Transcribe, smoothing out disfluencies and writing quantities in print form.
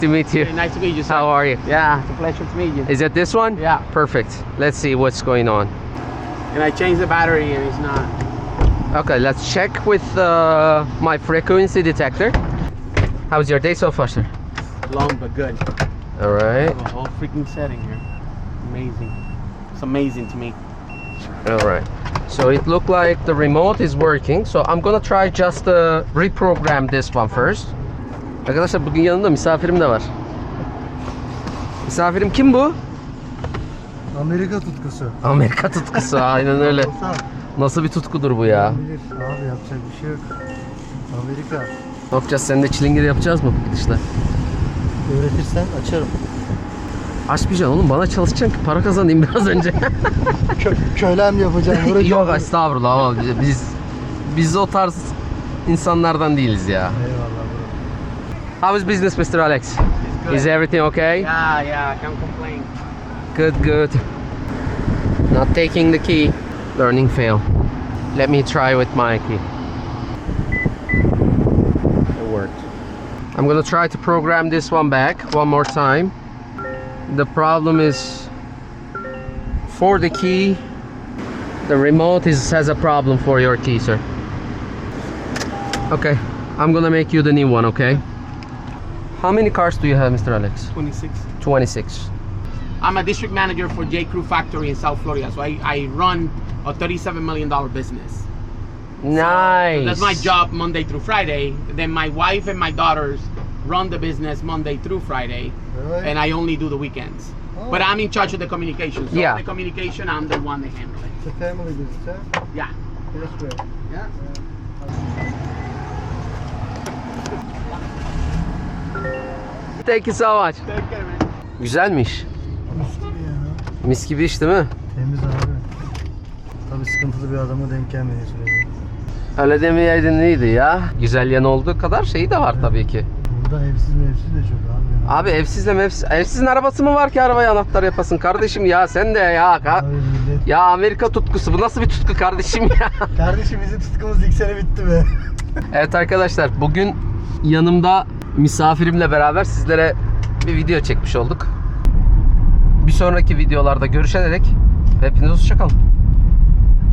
To meet you. Nice to meet you, sir. How are you? Yeah, it's a pleasure to meet you. Is it this one? Yeah. Perfect. Let's see what's going on. And I changed the battery and it's not. Okay, let's check with my frequency detector. How's your day so far, sir? Long but good. All right. The whole freaking setting here. Amazing. It's amazing to me. All right. So it looked like the remote is working. So I'm gonna try just reprogram this one first. Arkadaşlar bugün yanımda misafirim de var. Misafirim kim bu? Amerika tutkusu. Amerika tutkusu, aynen öyle. Nasıl bir tutkudur bu ya? Bilir abi, yapacak bir şey yok. Amerika. Ne yapacağız? Seninle çilingir yapacağız mı bu gidişle? Öğretirsen açarım. Açmayacaksın oğlum, bana çalışacaksın ki para kazanayım biraz önce. Kölem yapacağım. Yok estağfurullah ama biz o tarz insanlardan değiliz ya. Eyvallah bro. How is business, Mr. Alex? Good. Is everything okay? Yeah, I can't complain. Good. Not taking the key. Learning fail. Let me try with my key. It worked. I'm gonna try to program this one back one more time. The problem is for the key, the remote has a problem for your key, sir. Okay, I'm gonna make you the new one, okay? How many cars do you have, Mr. Alex? 26. 26. I'm a district manager for J. Crew Factory in South Florida. So I run a $37 million business. Nice. So that's my job Monday through Friday. Then my wife and my daughters run the business Monday through Friday. Really? And I only do the weekends. Oh. But I'm in charge of the communication. So Yeah. the communication, I'm the one that handles it. It's a family business, huh? Yeah. Yes, bro. Yeah. Thank you so much. Take care, man. Güzelmiş. Mis gibi ya. Mis gibi iş değil mi? Temiz abi. Tabii sıkıntılı bir adama denk gelmediği sürece. Öyle demeyeydin iyiydi ya. Güzel yanı olduğu kadar şeyi de var tabii ki. Burada evsiz mevsiz de çok abi. Ya. Abi evsizin arabası mı var ki arabaya anahtar yapasın kardeşim ya, sen de ya. Abi millet. Ya Amerika tutkusu, bu nasıl bir tutku kardeşim ya? Kardeşim bizim tutkumuz ilk sene bitti be. Evet arkadaşlar, bugün yanımda misafirimle beraber sizlere bir video çekmiş olduk. Bir sonraki videolarda görüşene dek hepinize hoşça kalın.